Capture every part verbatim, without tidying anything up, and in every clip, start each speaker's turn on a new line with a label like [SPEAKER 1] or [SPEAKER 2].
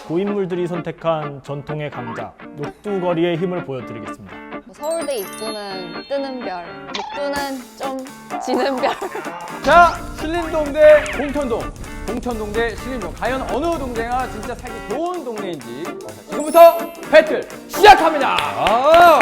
[SPEAKER 1] 고인물들이 선택한 전통의 강자 녹두거리의 힘을 보여드리겠습니다.
[SPEAKER 2] 뭐 서울대 입구는 뜨는 별, 녹두는 좀 지는 별.
[SPEAKER 3] 자, 신림동 대 봉천동, 봉천동 대 신림동. 과연 어느 동네가 진짜 살기 좋은 동네인지 지금부터 배틀 시작합니다.
[SPEAKER 4] 아!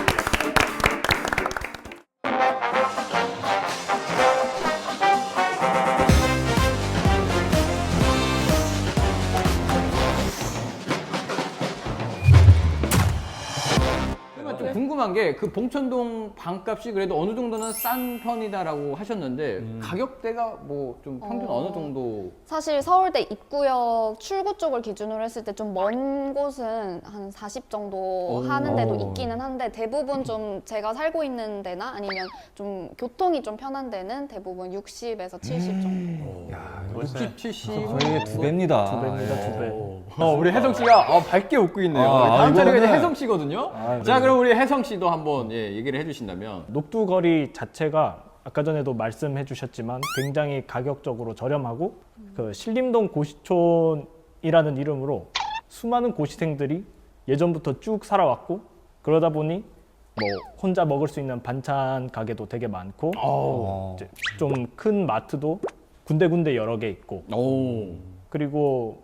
[SPEAKER 3] 그러면 좀 궁금한 게 그 봉천동 방값이 그래도 어느 정도는 싼 편이다라고 하셨는데
[SPEAKER 4] 음.
[SPEAKER 3] 가격대가 뭐 좀 평균
[SPEAKER 2] 어.
[SPEAKER 3] 어... 느 정도?
[SPEAKER 2] 사실 서울대 입구역 출구 쪽을 기준으로 했을 때 좀 먼 곳은 한 사십 정도
[SPEAKER 3] 오.
[SPEAKER 2] 하는 데도
[SPEAKER 4] 오.
[SPEAKER 2] 있기는 한데 대부분 좀 제가 살고 있는 데나 아니면 좀 교통이 좀 편한 데는 대부분 육십에서 칠십 정도.
[SPEAKER 4] 야,
[SPEAKER 3] 육십, 칠십.
[SPEAKER 4] 거의 두 배입니다.
[SPEAKER 1] 두 배입니다,
[SPEAKER 4] 예.
[SPEAKER 1] 두 배.
[SPEAKER 3] 어, 우리 혜성 씨가 어, 밝게 웃고 있네요.
[SPEAKER 4] 아,
[SPEAKER 3] 다음 차례가 이제
[SPEAKER 4] 이거는-
[SPEAKER 3] 혜성 씨거든요.
[SPEAKER 1] 아,
[SPEAKER 3] 자,
[SPEAKER 1] 네.
[SPEAKER 3] 그럼 우리 혜성 씨도 한번 예, 얘기를 해주신다면.
[SPEAKER 1] 녹두거리 자체가 아까 전에도 말씀해 주셨지만 굉장히 가격적으로 저렴하고 그 신림동 고시촌이라는 이름으로 수많은 고시생들이 예전부터 쭉 살아왔고 그러다 보니 뭐 혼자 먹을 수 있는 반찬 가게도 되게 많고
[SPEAKER 4] 어.
[SPEAKER 1] 좀 큰 마트도 군데군데 여러 개 있고
[SPEAKER 3] 오.
[SPEAKER 1] 그리고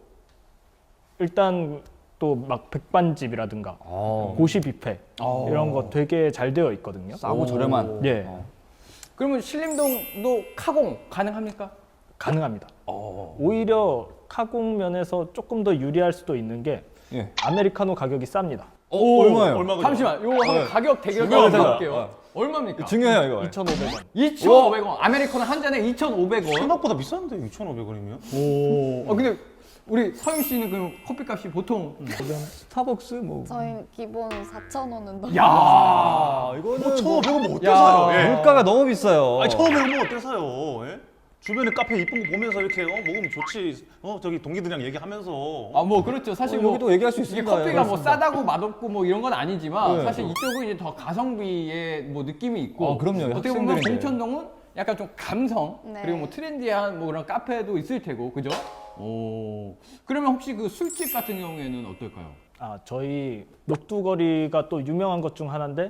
[SPEAKER 1] 일단 또 막 백반집이라든가
[SPEAKER 4] 어.
[SPEAKER 1] 고시 뷔페
[SPEAKER 3] 어.
[SPEAKER 1] 이런 거 되게 잘 되어 있거든요.
[SPEAKER 4] 싸고 저렴한.
[SPEAKER 1] 예.
[SPEAKER 4] 어.
[SPEAKER 3] 그러면 신림동도 카공 가능합니까?
[SPEAKER 1] 가능합니다.
[SPEAKER 3] 어.
[SPEAKER 1] 오히려 카공 면에서 조금 더 유리할 수도 있는 게
[SPEAKER 4] 예.
[SPEAKER 1] 아메리카노 가격이 쌉니다.
[SPEAKER 4] 어, 얼마예요?
[SPEAKER 5] 얼마
[SPEAKER 3] 잠시만, 요거 한번
[SPEAKER 4] 네.
[SPEAKER 3] 가격 대결
[SPEAKER 4] 중요하다.
[SPEAKER 3] 한번 해볼게요.
[SPEAKER 4] 어.
[SPEAKER 3] 얼마입니까?
[SPEAKER 4] 중요해요, 이거.
[SPEAKER 1] 이천오백 원.
[SPEAKER 3] 이천오백 원. 아메리카노 한 잔에 이천오백 원.
[SPEAKER 5] 생각보다 비싼데 이천오백 원이면?
[SPEAKER 3] 오. 어, 근데 우리 서윤 씨는 그 커피값이 보통
[SPEAKER 4] 스타벅스 뭐.
[SPEAKER 2] 저희 기본 사천 원은 넘.
[SPEAKER 3] 야.
[SPEAKER 4] 아, 이거는
[SPEAKER 5] 뭐 천오백 원뭐 어때
[SPEAKER 3] 야.
[SPEAKER 5] 사요? 예.
[SPEAKER 4] 물가가 너무 비싸요.
[SPEAKER 5] 아니 천오백 원뭐 어때 사요? 예? 주변에 카페 이쁜 거 보면서 이렇게 어, 먹으면 좋지. 어 저기 동기들이랑 얘기하면서.
[SPEAKER 3] 아, 뭐 그렇죠. 사실
[SPEAKER 4] 어,
[SPEAKER 3] 뭐
[SPEAKER 4] 여기도 얘기할 수
[SPEAKER 3] 이게
[SPEAKER 4] 있습니다.
[SPEAKER 3] 커피가 뭐
[SPEAKER 4] 그렇습니다.
[SPEAKER 3] 싸다고 맛없고 뭐 이런 건 아니지만
[SPEAKER 4] 네.
[SPEAKER 3] 사실 이쪽은 이제 더 가성비의 뭐 느낌이 있고
[SPEAKER 4] 아, 그럼요.
[SPEAKER 3] 어떻게 보면
[SPEAKER 4] 학생들인데.
[SPEAKER 3] 봉천동은 약간 좀 감성
[SPEAKER 2] 네.
[SPEAKER 3] 그리고 뭐 트렌디한 뭐 그런 카페도 있을 테고 그죠? 오. 그러면 혹시 그 술집 같은 경우에는 어떨까요?
[SPEAKER 1] 아, 저희 녹두거리가 또 유명한 것 중 하나인데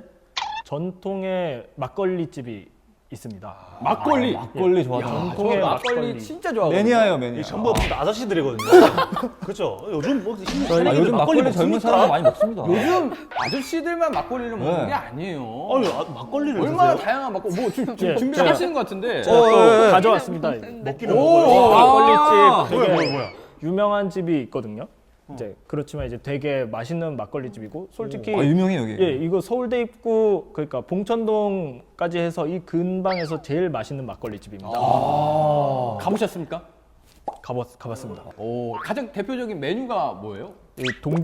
[SPEAKER 1] 전통의 막걸리 집이 있습니다.
[SPEAKER 3] 막걸리.
[SPEAKER 4] 막걸리 좋아하죠.
[SPEAKER 3] 야, 저
[SPEAKER 1] 전통의
[SPEAKER 3] 막걸리
[SPEAKER 1] 막걸리.
[SPEAKER 3] 진짜 좋아하거든요.
[SPEAKER 4] 매니아예요, 매니아.
[SPEAKER 5] 이 전부 다 아저씨들이거든요. 그렇죠. 요즘 뭐 힘이
[SPEAKER 4] 아, 요즘 막걸리 젊은 사람들 많이 먹습니다.
[SPEAKER 3] 요즘 아저씨들만 막걸리를 먹는
[SPEAKER 4] 네.
[SPEAKER 3] 게 아니에요.
[SPEAKER 5] 아니 아, 막걸리를
[SPEAKER 3] 얼마나
[SPEAKER 5] 드세요?
[SPEAKER 3] 다양한 막걸리 뭐 지금
[SPEAKER 1] 예,
[SPEAKER 3] 준비를
[SPEAKER 1] 제가-
[SPEAKER 3] 하시는 것 같은데.
[SPEAKER 1] 제가 또
[SPEAKER 4] 어, 예, 예.
[SPEAKER 1] 가져왔습니다.
[SPEAKER 5] 먹기는
[SPEAKER 3] 오,
[SPEAKER 5] 먹어요.
[SPEAKER 3] 아.
[SPEAKER 1] 막걸리집 되게
[SPEAKER 5] 뭐야 뭐야 뭐야.
[SPEAKER 1] 유명한 집이 있거든요. 이제 그렇지만 이제 되게 맛있는 막걸리 집이고 솔직히
[SPEAKER 4] 아, 유명해 여기.
[SPEAKER 1] 예, 이거 서울대 입구 그러니까 봉천동까지 해서 이 근방에서 제일 맛있는 막걸리 집입니다.
[SPEAKER 3] 아. 가보셨습니까?
[SPEAKER 1] 가봤 가봤습니다.
[SPEAKER 3] 오, 가장 대표적인 메뉴가 뭐예요?
[SPEAKER 1] 이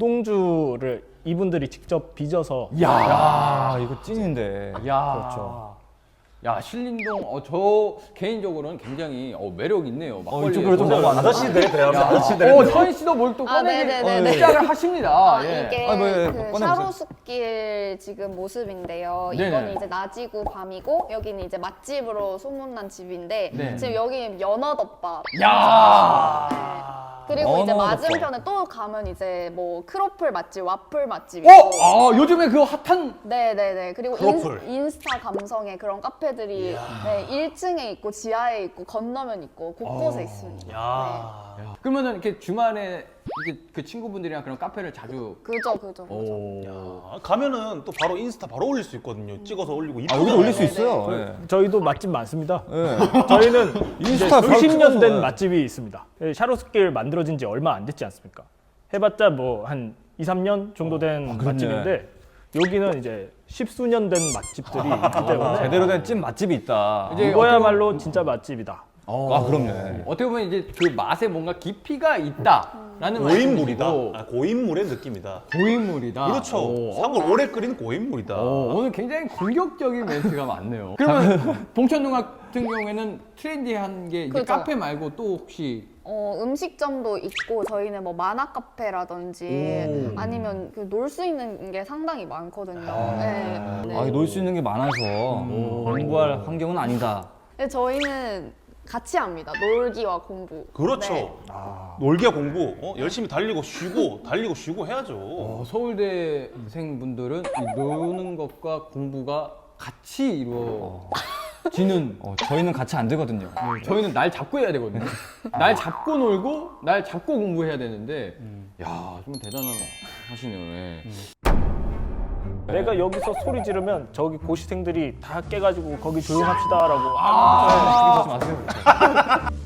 [SPEAKER 1] 동동주를 이분들이 직접 빚어서
[SPEAKER 3] 야,
[SPEAKER 4] 아, 이거 찐인데.
[SPEAKER 3] 야,
[SPEAKER 1] 그렇죠.
[SPEAKER 3] 야, 신림동, 어, 저 개인적으로는 굉장히 어, 매력 있네요.
[SPEAKER 4] 어,
[SPEAKER 3] 막걸리에.
[SPEAKER 4] 이쪽으로 좀
[SPEAKER 3] 어,
[SPEAKER 4] 넘어와.
[SPEAKER 5] 아저씨들에 대한
[SPEAKER 3] 야,
[SPEAKER 5] 아저씨들에
[SPEAKER 3] 어,
[SPEAKER 5] 대한.
[SPEAKER 3] 서인 씨도 뭘 또
[SPEAKER 2] 아,
[SPEAKER 3] 꺼내기
[SPEAKER 2] 네네네네.
[SPEAKER 3] 시작을 하십니다.
[SPEAKER 2] 아,
[SPEAKER 3] 예.
[SPEAKER 2] 이게
[SPEAKER 4] 아, 뭐, 예,
[SPEAKER 2] 그
[SPEAKER 4] 꺼내보세요.
[SPEAKER 2] 샤로숲길 지금 모습인데요.
[SPEAKER 3] 네네.
[SPEAKER 2] 이거는 이제 낮이고 밤이고 여기는 이제 맛집으로 소문난 집인데
[SPEAKER 3] 네.
[SPEAKER 2] 지금 여기 연어덮밥.
[SPEAKER 3] 야,
[SPEAKER 2] 네. 그리고 이제
[SPEAKER 4] 연어덮밥.
[SPEAKER 2] 맞은편에 또 가면 이제 뭐 크로플 맛집, 와플 맛집
[SPEAKER 3] 어,
[SPEAKER 2] 있고.
[SPEAKER 3] 아, 요즘에 그 핫한
[SPEAKER 2] 네네네. 그리고
[SPEAKER 5] 크로플.
[SPEAKER 2] 인, 스타 감성의 그런 카페들이 네, 일 층에 있고 지하에 있고 건너면 있고 곳곳에 있습니다. 네.
[SPEAKER 5] 야.
[SPEAKER 3] 그러면은 이렇게 주말에 이게 그 친구분들이랑 그런 카페를 자주.
[SPEAKER 2] 그죠, 그죠, 그죠.
[SPEAKER 3] 오.
[SPEAKER 5] 아, 가면은 또 바로 인스타 바로 올릴 수 있거든요. 찍어서 올리고
[SPEAKER 4] 아,
[SPEAKER 5] 이쁘게.
[SPEAKER 4] 여기도 올릴 수
[SPEAKER 2] 네네네.
[SPEAKER 4] 있어요. 예.
[SPEAKER 1] 저희도 맛집 많습니다.
[SPEAKER 4] 예.
[SPEAKER 1] 저희는
[SPEAKER 4] 인스타
[SPEAKER 1] 이제 수십 년 된
[SPEAKER 4] 찍어서.
[SPEAKER 1] 맛집이 있습니다. 예, 샤로스길 만들어진 지 얼마 안 됐지 않습니까? 해봤자 뭐 한 이, 삼 년 정도 된
[SPEAKER 4] 그렇네.
[SPEAKER 1] 맛집인데 여기는 이제 십수년 된 맛집들이 있기 때문에
[SPEAKER 4] 제대로 된 찐 맛집이 있다.
[SPEAKER 3] 이제
[SPEAKER 1] 이거야말로 진짜 맛집이다.
[SPEAKER 4] 아, 그럼요.
[SPEAKER 3] 어떻게 보면 이제 그 맛에 뭔가 깊이가 있다라는
[SPEAKER 5] 고인물이다.
[SPEAKER 3] 말씀이시고.
[SPEAKER 5] 아, 고인물의 느낌이다.
[SPEAKER 3] 고인물이다.
[SPEAKER 5] 그렇죠.
[SPEAKER 3] 오.
[SPEAKER 5] 사골 오래 끓인 고인물이다.
[SPEAKER 3] 어, 오늘 굉장히 공격적인 멘트가 많네요. 그러면 봉천동 같은 경우에는 트렌디한 게 이제
[SPEAKER 2] 그죠.
[SPEAKER 3] 카페 말고 또 혹시
[SPEAKER 2] 어, 음식점도 있고 저희는 뭐 만화 카페라든지 아니면 그 놀 수 있는 게 상당히 많거든요. 네. 네.
[SPEAKER 4] 아, 놀 수 있는 게 많아서 공부할 환경은 아니다.
[SPEAKER 2] 근데 저희는 같이 합니다. 놀기와 공부.
[SPEAKER 5] 그렇죠.
[SPEAKER 2] 네.
[SPEAKER 5] 놀기와 공부, 어? 열심히 달리고 쉬고 달리고 쉬고 해야죠.
[SPEAKER 3] 어, 서울대생분들은 이 노는 것과 공부가 같이 이루어지는
[SPEAKER 4] 어, 저희는 같이 안 되거든요.
[SPEAKER 3] 저희는 날 잡고 해야 되거든요. 날 잡고 놀고 날 잡고 공부해야 되는데 야, 좀 대단하시네요. 예.
[SPEAKER 1] 내가 여기서 소리 지르면 저기 고시생들이 다 깨가지고 거기 조용합시다라고. 아,
[SPEAKER 4] 하지 마세요.